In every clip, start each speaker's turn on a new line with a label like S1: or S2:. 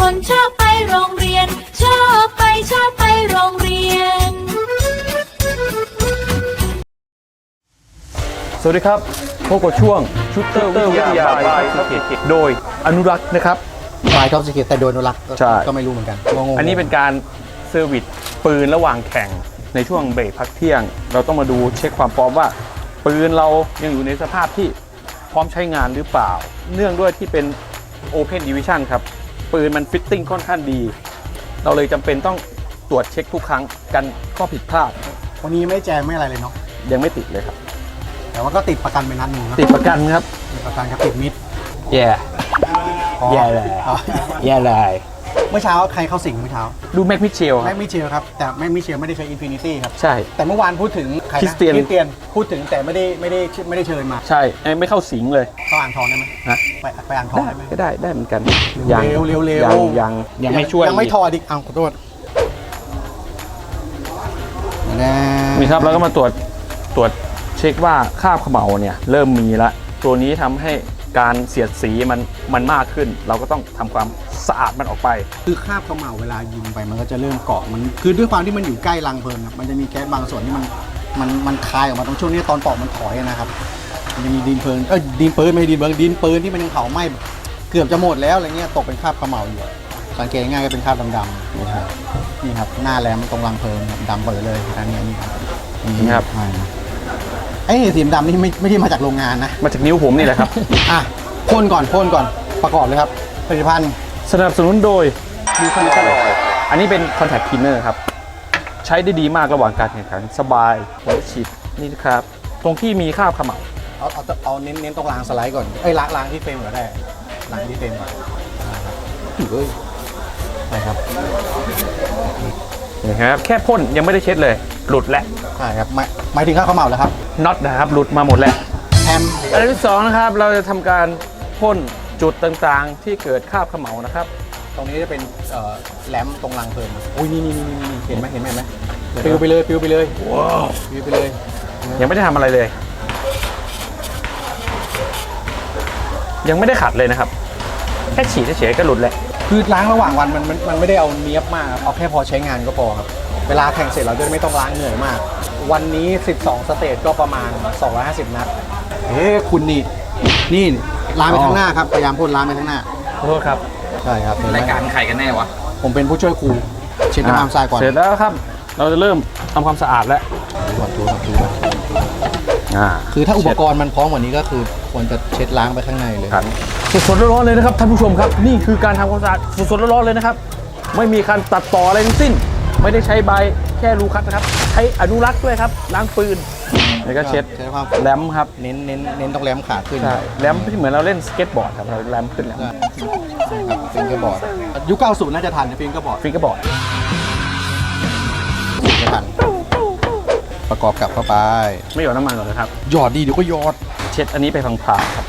S1: คนชอบไปโรงเรียนชอบไปโรงเรียน
S2: สวัสดีครับพบกับช่วงชุดเตอร์วิทยาบายท็อปสิเกตโดยอนุรักษ์นะครับ
S3: บายท็อปสิเกตแต่โดยอนุรักษ์ก็ไม่รู้เหมือนกัน
S2: อันนี้เป็นการเซอร์วิสปืนระหว่างแข่งในช่วงเบรกพักเที่ยงเราต้องมาดูเช็คความพร้อมว่าปืนเรายังอยู่ในสภาพที่พร้อมใช้งานหรือเปล่าเนื่องด้วยที่เป็น Open Division ครับปืนมันฟิตติ้งค่อนข้างดีเราเลยจำเป็นต้องตรวจเช็คทุกครั้งกันข้อผิดพลาด
S3: วันนี้ไม่แจ้งไม่อะไรเลยเนาะ
S2: ยังไม่ติดเลยครับ
S3: แต่ว่าก็ติดประกันไปนัดหนึ่ง
S2: ติดประกันครับ
S3: ติดประกันกับติดมิด
S2: แย่เลย
S3: เมื่อเช้าใครเข้าสิงเมื่อเช้า
S2: ดูแม็กมิเชล
S3: ครับแต่แม็กมิเชลไม่ได้ใช้อินฟินิตี้ครับ
S2: ใช่
S3: แต่เมื่อวานพูดถึงใครนะคริสเตียนพูดถึงแต่ไม่ได้เชิญมา
S2: ใช่ไม่เข้าสิงเลย
S3: เข้าอ่างทองได้ไหมไปอ่างทองได้ไหม
S2: ได้เหมือนกัน
S3: เร็ว
S2: ยังไม่ช่วย
S3: ยังไม่ทอดิเอาขอโทษ
S2: นี่ครับแล้วก็มาตรวจเช็คว่าคราบเขม่าเนี่ยเริ่มมีละตัวนี้ทำให้การเสียดสีมันมากขึ้นเราก็ต้องทำความสะอาดมันออกไป
S3: คือคราบเขม่าเวลายิงไปมันก็จะเริ่มเกาะมันคือด้วยความที่มันอยู่ใกล้รังเพลิงครับมันจะมีแก๊สบางส่วนที่มันคายออกมาตรงช่วงนี้ตอนปอกมันถอยนะครับมันจะมีดินเพลิงดินปืนไม่ดินเบิร์ดินปืนที่มันยังเผาไหม้เกือบจะหมดแล้วอะไรเงี้ยตกเป็นคราบเขม่าอยู่สังเกตง่ายก็เป็นคราบดำๆนี่ครับหน้าแหลมตรงรังเพลิงดำเปิดเลยอันนี้
S2: นี่ครับ
S3: ไอ้สีดำนี่ไม่ได้มาจากโรงงานนะ
S2: มาจากนิ้วผมนี่แหละครับ
S3: พ่นก่อนประกอบเลยครับผลิตภัณฑ์
S2: สนับสนุนโดยดีคอนแทคอันนี้เป็นคอนแทคคลีนเนอร์ครับใช้ได้ดีมากระหว่างการแข่งขันสบายหัวฉีดนี่นะครับตรงที่มีคราบเขม่า
S3: เอาเน้นตรงรางสไลด์ก่อนล้างที่เฟรมก็ได้ล้างที่เฟรมก่อนนะครับ
S2: นี่ครับแค่พ่นยังไม่ได้เช็ดเลยหลุดแล้ว
S3: ใช่ครับหมายถึงคราบเขม่าแล้วครับ
S2: น็อตนะครับหลุดมาหมดแล้วอันที่2นะครับเราจะทำการพ่นจุดต่างๆที่เกิดคราบเขม่านะครับ
S3: ตรงนี้จะเป็นแหลมตรงรังเพลิงอุ้ยนี่เห็นไหมปิวไปเลย
S2: ว้าว
S3: ปิวไปเลย
S2: ยังไม่ได้ทำอะไรเลยยังไม่ได้ขัดเลยนะครับแค่ฉีดเฉยๆก็หลุดแหละ
S3: คือล้างระหว่างวันมันไม่ได้เอาเนี้ยบมากเอาแค่พอใช้งานก็พอครับเวลาแข่งเสร็จเราจะไม่ต้องล้างเหนื่อยมากวันนี้12สเตจก็ประมาณ250นัดคุณนี่ล้างไปข้างหน้าครับพยายามพ่นล้างไปข้างหน้า
S2: ขอโทษครับ
S3: ใช่ครับ
S4: รายการใครกันแน่วะ
S3: ผมเป็นผู้ช่วยครูเช็ดน้ำทรายก่อน
S2: เสร็จแล้วครับเราจะเริ่มทำความสะอาดแล้ว
S3: ถูคือถ้าอุปกรณ์มันพร้อมกว่านี้ก็คือควรจะเช็ดล้างไปข้างในเลย
S2: สดๆร้อนๆเลยนะครับท่านผู้ชมครับนี่คือการทำความสะอาดสดๆร้อนๆเลยนะครับไม่มีการตัดต่ออะไรทั้งสิ้นไม่ได้ใช้ใบแค่รูคัดนะครับใช้อนุรักษ์ด้วยครับล้างปืนแล้วก็เช็ดแรมครับ
S3: เน้นต้องแรมขาขึ้น
S2: ใช่แรมที่เหมือนเราเล่นสเก็ตบอร์ดครับเราแรมขึ้นแรม
S3: ฟิงเกอร์บอร์ดยุค90น่าจะทันฟิงเกอร์บอร์ดไม่ทันประกอบกลับเข้าไป
S2: ไม่หยอดน้ำมันก่อนนะครับ
S3: หยอดดีเดี๋ยวก็หยอด
S2: เช็ดอันนี้ไปพลางๆครับ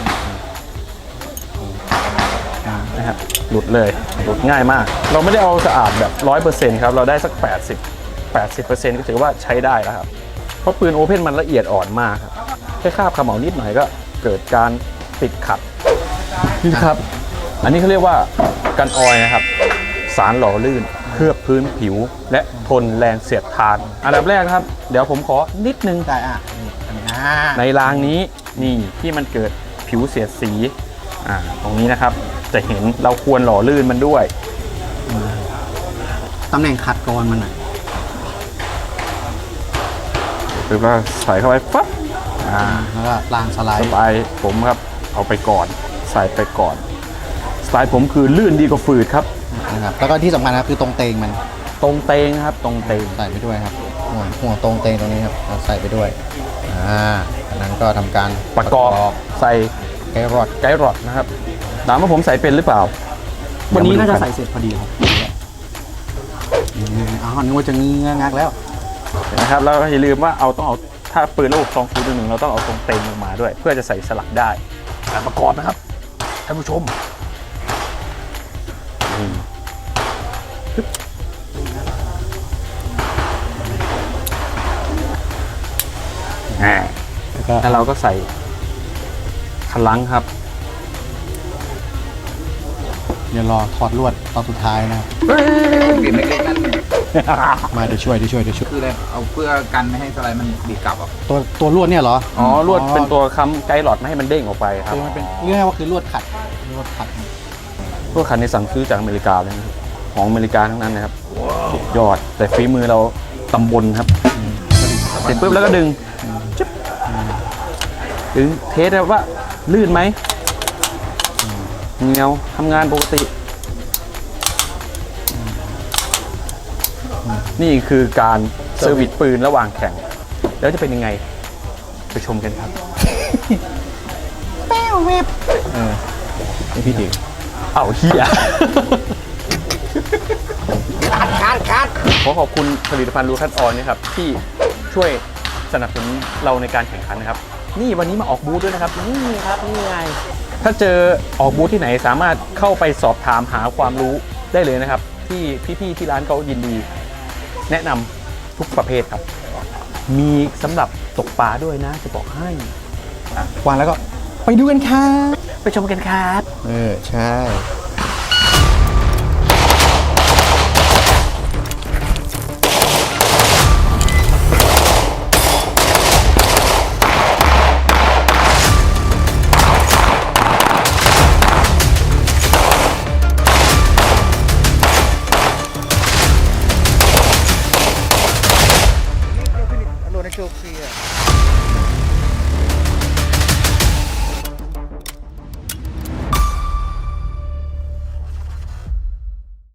S2: นะครับหลุดเลยหลุดง่ายมากเราไม่ได้เอาสะอาดแบบ 100% ครับเราได้สัก80% ก็ถือว่าใช้ได้แล้วครับเพราะปืนโอเพ่นมันละเอียดอ่อนมากครับแค่คราบเขม่านิดหน่อยก็เกิดการติดขัดนี่ครับอันนี้เขาเรียกว่ากันออยนะครับสารหล่อลื่นเคลือบพื้นผิวและทนแรงเสียดทานอันดับแรกครับเดี๋ยวผมขอนิดนึง
S3: ได้
S2: ในรางนี้นี่ที่มันเกิดผิวเสียดสีตรงนี้นะครับจะเห็นเราควรหล่อลื่นมันด้วย
S3: ตำแหน่งขัดกรอนมันหน่อย
S2: หรือว่าใส่เข้าไปปั๊บ
S3: แล้วก็ล้างสไลด์
S2: สไตล์ผมครับเอาไปก่อนใส่ไปก่อนสไตล์ผมคือลื่นดีกว่าฝืดครับ
S3: นะครับแล้วก็ที่สำคัญนะคือตรงเตงมัน
S2: ตรงเตงครับตรงเตง
S3: ใส่ไปด้วยครับห่วงตรงเตงตรงนี้ครับใส่ไปด้วยนั้นก็ทำการ
S2: ประกอบใส่ไกด์รอดนะครับถามว่าผมใส่เป็นหรือเปล่า
S3: วันนี้น่าจะใส่เสร็จพอดีครับนึกว่าจะงักแล้ว
S2: นะครับแล้วอย่าลืมว่าต้องเอาถ้าปืนระบบ201เราต้องเอาตรงเต็มลงมาด้วยเพื่อจะใส่สลักได้การประกอบนะครับท่านผู้ชมแล้วเราก็ใส่คันลังครับ
S3: เดี๋ยวรอถอดลวดตอนสุดท้ายนะครับ
S4: กลิ่นเล็กๆนั่น
S3: มาเดี๋ยวช่วย
S4: คืออะไรเอาเพื่อกันไม่ให้สไลด์มันดีดกลับอ่ะ
S3: ตัวลวดเนี่ยเหรอ
S2: อ๋อลวดเป็นตัวค้ำไกด์หลอดไม่ให้มันเด้งออกไปครับ
S3: คือมันเป็นเรียกว่าคือลวดขัด
S2: พวกคันนี้สั่งซื้อจากอเมริกาเลยนะครับของอเมริกาทั้งนั้นนะครับสุดยอดแต่ฝีมือเราตำบลครับเสร็จปุ๊บแล้วก็ดึงจิ๊บดึงเทสว่าลื่นไหมเงาทำงานปกติ นี่คือการเซอร์วิสปืนระหว่างแข่ง แล้วจะเป็นยังไง ไปชมกันครับ
S3: นี่พี่ดิ
S2: เอาเฮียขอขอบคุณผลิตภัณฑ์ลูคัสออนนะครับที่ช่วยสนับสนุนเราในการแข่งขันนะครับ นี่วันนี้มาออกบูธด้วยนะครับ นี่ครับนี่ไง ถ้าเจอออกบูธที่ไหนสามารถเข้าไปสอบถามหาความรู้ได้เลยนะครับ ที่พี่ๆที่ร้านเขายินดี แนะนำทุกประเภทครับ มีสำหรับตกปลาด้วยนะจะบอกให้
S3: วางแล้วก็ไปดูกันครับ
S2: ไปชมกันครับ
S3: ใช่โดนในโชว์เคลียร์